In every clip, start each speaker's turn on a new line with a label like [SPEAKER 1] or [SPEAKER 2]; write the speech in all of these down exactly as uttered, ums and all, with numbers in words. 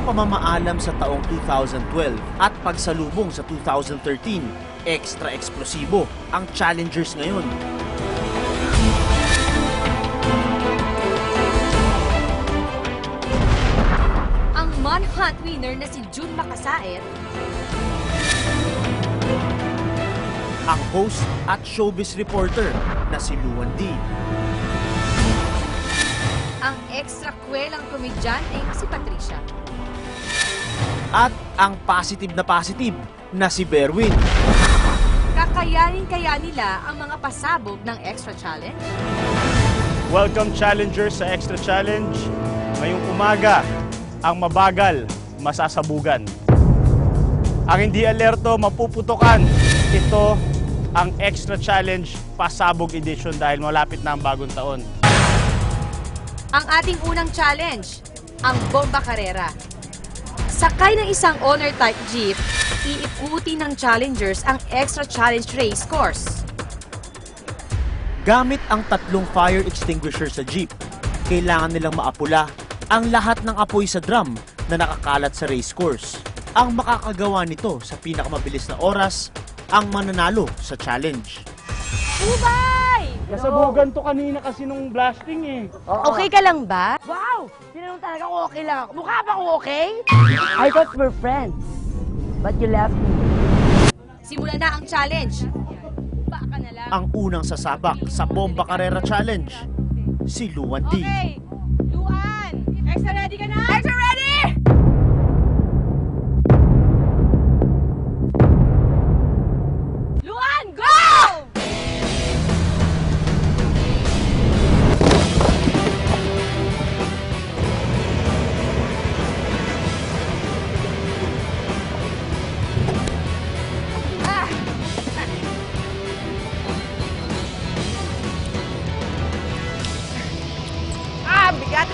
[SPEAKER 1] pamamaalam sa taong two thousand twelve at pagsalubong sa two thousand thirteen, extra eksplosibo ang challengers ngayon.
[SPEAKER 2] Ang Manhunt winner na si June Macasaet,
[SPEAKER 1] ang host at showbiz reporter na si Luan D.
[SPEAKER 2] ang extra kwelang komedyanteng si Patricia,
[SPEAKER 1] At ang positive na positive na si Berwin.
[SPEAKER 2] kakayanin kaya nila ang mga pasabog ng extra challenge?
[SPEAKER 3] Welcome challengers sa Extra Challenge. Ngayong umaga, ang mabagal, masasabugan. Ang hindi alerto, mapuputukan. Ito ang Extra Challenge Pasabog Edition dahil malapit na ang bagong taon.
[SPEAKER 2] Ang ating unang challenge, ang Bomba Carrera. Sakay ng isang honor-type jeep, iikuti ng challengers ang extra challenge race course.
[SPEAKER 1] Gamit ang tatlong fire extinguisher sa jeep, kailangan nilang maapula ang lahat ng apoy sa drum na nakakalat sa race course. Ang makakagawa nito sa pinakamabilis na oras, ang mananalo sa challenge.
[SPEAKER 2] Ubay!
[SPEAKER 3] Nasabugan to kanina kasi nung blasting eh.
[SPEAKER 2] Okay ka lang ba?
[SPEAKER 4] Wow! Tinanong talaga kung okay lang ako. Mukha ba akong okay? I thought we're friends. But you left me.
[SPEAKER 2] Simulan na ang challenge. Baka na lang.
[SPEAKER 1] Ang unang sasabak sa Bomba Carrera Challenge, si Luan D.
[SPEAKER 2] Okay, Luan! Extra ready ka na? Extra ready! Luan, go! Ah!
[SPEAKER 4] Ah, bigat!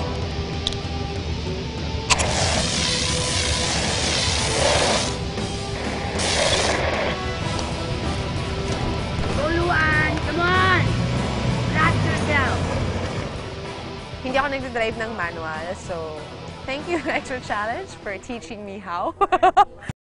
[SPEAKER 4] Tuluan! Come on! Relax yourself!
[SPEAKER 5] Hindi ako nagdadrive ng manual, so thank you, Extra Challenge, for teaching me how.